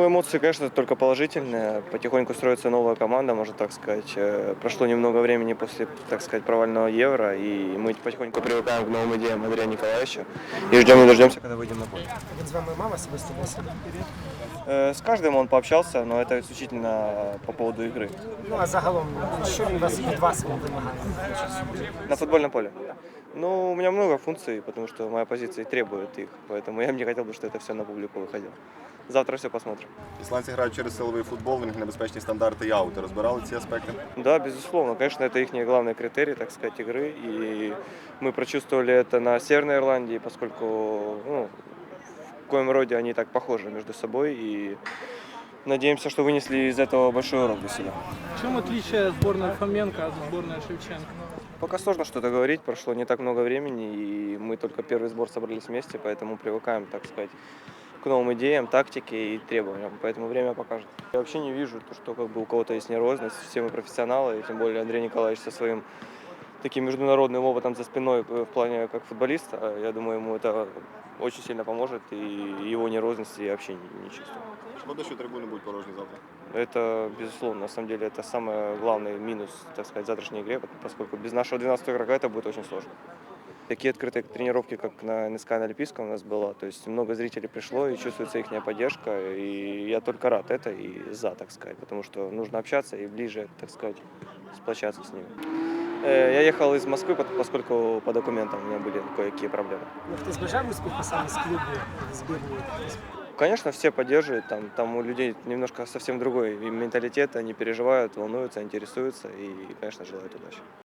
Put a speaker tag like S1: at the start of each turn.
S1: Ну, эмоции, конечно, только положительные. Потихоньку строится новая команда, можно так сказать. Прошло немного времени после, так сказать, провального Евро, и мы потихоньку привыкаем к новым идеям Андрея Николаевича и ждем не дождемся, когда выйдем на поле.
S2: Він з вами мав особисто бесіду?
S1: С каждым он пообщался, но это исключительно по поводу игры.
S2: Ну а загалом, що він від вас вимагає?
S1: На футбольном поле. Ну, у меня много функций, потому что моя позиция и требует их, поэтому я бы не хотел бы, чтобы это все на публику выходило. Завтра все посмотрим.
S3: Ісландці грають через силовий футбол, в них небезпечні стандарти і аути. Розбирали ці аспекти?
S1: Да, безусловно. Конечно, это их главный критерий, так сказать, игры. И мы прочувствовали это на Северной Ирландии, поскольку ну, в коем роде они так похожи между собой. И надеемся, что вынесли из этого большой урок для себя.
S4: В чем отличие сборной Фоменко от сборной Шевченко?
S1: Пока сложно что-то говорить, прошло не так много времени, и мы только первый сбор собрались вместе, поэтому привыкаем, так сказать, к новым идеям, тактике и требованиям, поэтому время покажет. Я вообще не вижу, что как бы у кого-то есть нервозность, все мы профессионалы, и тем более Андрей Николаевич со своим таким международным опытом за спиной в плане как футболиста, я думаю, ему это очень сильно поможет, и его нервозности я вообще не чувствую.
S3: Шкода, що трибуни будуть порожні завтра.
S1: Это, безусловно, на самом деле, это самый главный минус, так сказать, завтрашней игре, поскольку без нашего 12-го игрока это будет очень сложно. Такие открытые тренировки, как на НСК на Олимпийском у нас было, то есть много зрителей пришло и чувствуется их поддержка, и я только рад это и за, так сказать, потому что нужно общаться и ближе, так сказать, сплочаться с ними. Я ехал из Москвы, поскольку по документам у меня были кое-какие проблемы.
S2: Ну, хтось бажав успіху саме з клубу, збірної?
S1: Конечно, все поддерживают, там у людей немножко совсем другой менталитет, они переживают, волнуются, интересуются и, конечно, желают удачи.